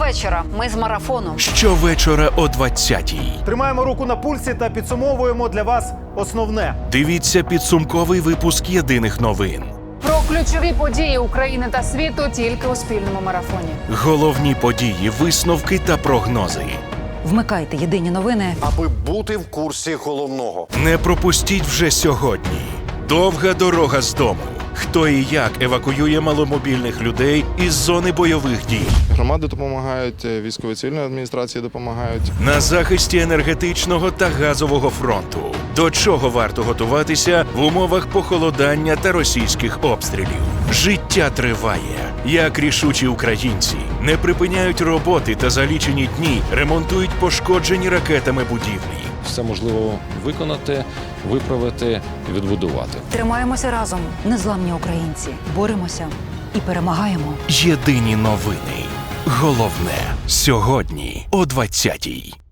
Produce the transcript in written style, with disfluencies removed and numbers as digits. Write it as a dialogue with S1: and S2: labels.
S1: Щовечора ми з марафону.
S2: Щовечора о 20-й.
S3: Тримаємо руку на пульсі та підсумовуємо для вас основне.
S2: Дивіться підсумковий випуск єдиних новин.
S4: Про ключові події України та світу тільки у спільному марафоні.
S2: Головні події, висновки та прогнози.
S1: Вмикайте єдині новини.
S5: Аби бути в курсі головного.
S2: Не пропустіть вже сьогодні. Довга дорога з дому. Хто і як евакуює маломобільних людей із зони бойових дій.
S6: Громади допомагають, військово-цивільні адміністрації допомагають.
S2: На захисті енергетичного та газового фронту. До чого варто готуватися в умовах похолодання та російських обстрілів. Життя триває. Як рішучі українці не припиняють роботи та за лічені дні ремонтують пошкоджені ракетами будівлі.
S7: Все можливо виконати, виправити, відбудувати.
S1: Тримаємося разом, незламні українці. Боремося і перемагаємо.
S2: Єдині новини. Головне сьогодні о 20-й.